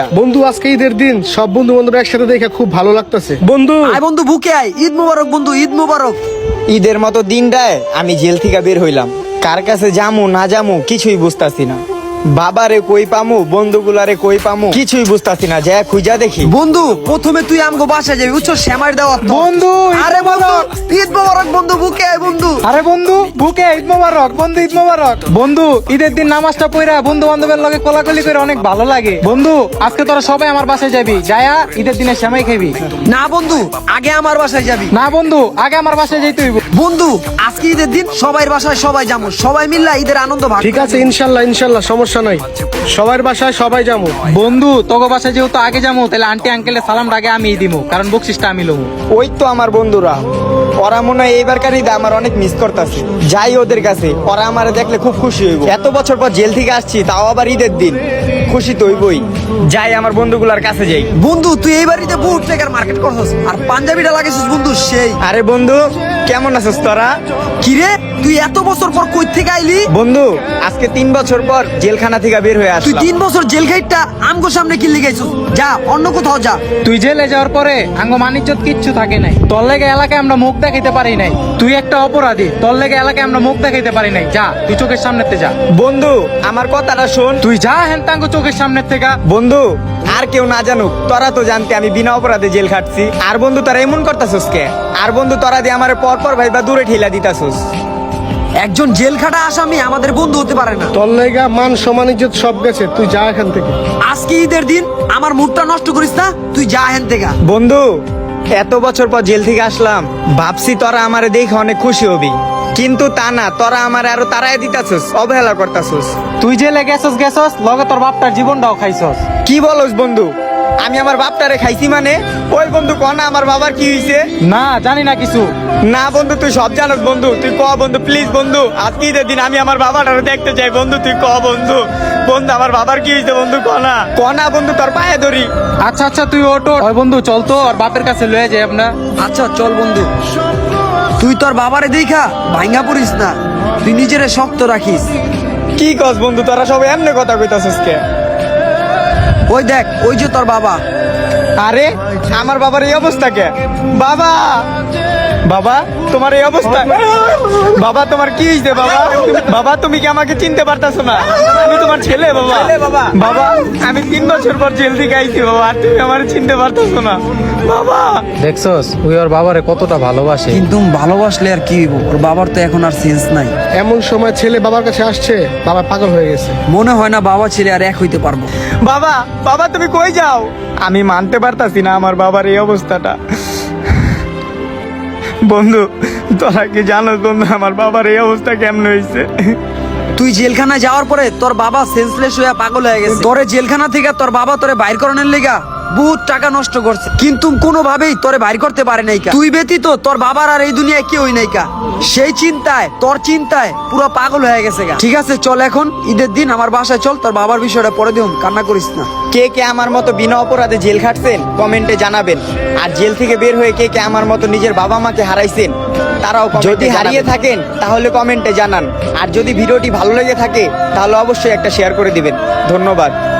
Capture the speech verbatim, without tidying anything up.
বন্ধু আজকে ঈদের দিন সব বন্ধু বান্ধব একসাথে দেখে খুব ভালো লাগতেছে। বন্ধু আয় বন্ধু বুকে আয়, ঈদ মুবারক বন্ধু, ঈদ মুবারক। ঈদের মতো দিনটায় আমি জেল থেকে বের হইলাম, কার কাছে যামু না যামু কিছুই বুঝতাছি না। বাবারে কই পামু, বন্ধুগুলারে কই পামু কিছুই বুঝতাছি না। যা খুঁজা দেখি। বন্ধু প্রথমে তুই আমগো বাসায় যাবি, বুঝছো, শ্যামার দেওয়া বন্ধু আরে বন্ধু ঈদ মুবারক বন্ধু, বুকে আয় বন্ধু। আরে বন্ধু বুকে ঈদ মোবারক, বন্ধু ঈদ মোবারক। বন্ধু ঈদের দিন নামাজটা পড়া বন্ধু বান্ধবের লগে কোলাকুলি করে অনেক ভালো লাগে। বন্ধু আজকে তোরা সবাই আমার বাসায় যাবি, যায়া ঈদের দিনে সেমাই খাবি। না বন্ধু আগে আমার বাসায় যাবি। না বন্ধু আগে আমার বাসায় যাইতে হইব। বন্ধু আজকে ঈদের দিন সবাই বাসায় সবাই যাবো, সবাই মিললা ঈদের আনন্দ ভাগ। ঠিক আছে, ইনশাল্লাহ ইনশাল্লাহ সমস্যা নাই, সবার বাসায় সবাই যাবো। বন্ধু তোকে বাসায় যেহেতু আগে যাবো, তাহলে আন্টি আঙ্কেলের সালামটা আগে আমি দিমু, কারণ বকশিসটা আমি লমু। ওই তো আমার বন্ধুরা, ওরা মনে হয় এইবারকার ঈদে আমার অনেক মিস করতেছে। যাই ওদের কাছে, ওরা আমার দেখলে খুব খুশি হইব। এত বছর পর জেল থেকে আসছি, তাও আবার ঈদের দিন, খুশি তো হইবই। যাই আমার বন্ধুগুলার কাছে যাই। বন্ধু তুই এই বাড়িতে বুট টেকার মার্কেট করছস আর পাঞ্জাবিটা লাগাইছিস বন্ধু সেই। আরে বন্ধু কেমন আছিস তোরা? কিরে তুই এত বছর পর কই থেকে আইলি? বন্ধু আজকে তিন বছর পর জেলখানা থেকে বের হয়ে তুই আসলাম। তিন বছর জেল খাইটটা আমগো সামনে কি লিগাইছিস? যা অন্য কোথাও যা। তুই জেলে যাওয়ার পরে আঙ্গ মানিজ্জত কিচ্ছু থাকে নাই। তোর লেগে এলাকায় আমরা মুখ দেখাইতে পারি নাই। তুই একটা অপরাধী, তোর লেগে এলাকায় আমরা মুখ দেখাইতে পারি নাই। যা তুই চোখের সামনেতে যা। বন্ধু আমার কথাটা শোন। তুই যা হেন তাঙ্গ চোখের সামনের থেকে। বন্ধু আর কেউ না জানুক, তোরা তো জানতে আমি বিনা অপরাধে জেল খাটছি। আর বন্ধু তোরা এমন করতাছস কে? আর বন্ধু তোরা দিয়ে আমার পর পর ভাইবা দূরে ঠেলা দিতাছস। একজন জেল খাটা আসামি আমাদের বন্ধু হতে পারে না। তোর লেগা মান সম্মান ইজ্জত সব গেছে, তুই যা এখান থেকে। আজকে ঈদের দিন আমার মুডটা নষ্ট করিস না, তুই যা হেন থেকে। বন্ধু এত বছর পর জেল থেকে আসলাম, ভাবছি তোরা আমারে দেখে অনেক খুশি হবি, কিন্তু তা না, তোরা আমারে আরো তাড়াই দিতাছস, অবহেলা করতাছস। তুই জেলে গেছস গেছস, লগে তোর বাপটার জীবনটাও খাইছস। কি বলস বন্ধু? আমি আমার বাপটারে খাইছি মানে? ওই বন্ধু ক না আমার বাবার কি হইছে? না জানি না কিছু। না বন্ধু তুই সব জানোস বন্ধু, তুই ক বন্ধু প্লিজ বন্ধু, আজকে ঈদের দিন আমি আমার বাবাটারে দেখতে চাই বন্ধু, তুই ক বন্ধু। বন্ধু আমার বাবার কি হইছে বন্ধু, ক না ক না বন্ধু, তোর পায়ে ধরি। আচ্ছা আচ্ছা তুই ওটো। ওই বন্ধু চল তো আর বাপের কাছে লয়ে যাই আমরা। আচ্ছা চল বন্ধু। তুই তোর বাবারে দেখা ভাঙ্গা পড়িস না, তুই নিজেরে শক্ত রাখিস। কি কস বন্ধু, তোরা সবাই এমনি কথা কইতাছস কে? ওই দেখ ওই যে তোর বাবা। আরে আমার বাবার এই অবস্থা কে? বাবা বাবা তোমার এই অবস্থা? বাবা তোমার কি হয়েছে বাবা? বাবা তুমি কি আমাকে চিনতে পারতাছো না? আমি তোমার ছেলে বাবা। বাবা আমি তিন বছর পর জেল থেকে আইছি বাবা, আর তুমি আমার চিনতে পারতাছো না বাবা। দেখছস ওই ওর বাবারে কতটা ভালোবাসে। কিন্তু ভালোবাসলে আর কি হইব, ওর বাবার তো এখন আর সেন্স নাই। এমন সময় ছেলে বাবার কাছে আসছে, বাবা পাগল হয়ে গেছে। মনে হয় না বাবা ছেলে আর এক হইতে পারবো। বাবা বাবা তুমি কই যাও? আমি মানতে পারতাছি না আমার বাবার এই অবস্থাটা। বন্ধু তোরা কি জানো বন্ধু আমার বাবার এই অবস্থা কেমন হয়েছে? তুই জেলখানায় যাওয়ার পরে তোর বাবা সেন্সলেস হয়ে পাগল হয়ে গেছে। তোরে জেলখানা থেকে তোর বাবা তোরে বাইর করানোর লেগা বহুত টাকা নষ্ট করছে, কিন্তু কোনোভাবেই তোরে বাইর করতে পারে নাই। তুই ব্যতীত তোর বাবার আর এই দুনিয়ায় কেউই নাই কা। সেই চিন্তায় তোর চিন্তায় পুরো পাগল হয়ে গেছে গা। ঠিক আছে চল এখন ঈদের দিন আমার বাসায় চল, তোর বাবার বিষয়টা পরে দিও, কান্না করিস না। কে কে আমার মতো বিনা অপরাধে জেল খাটছেন কমেন্টে জানাবেন। আর জেল থেকে বের হয়ে কে কে আমার মতো নিজের বাবা মাকে হারাইছেন তারাও যদি হারিয়ে থাকেন তাহলে কমেন্টে জানান। আর যদি ভিডিওটি ভালো লেগে থাকে তাহলে অবশ্যই একটা শেয়ার করে দিবেন। ধন্যবাদ।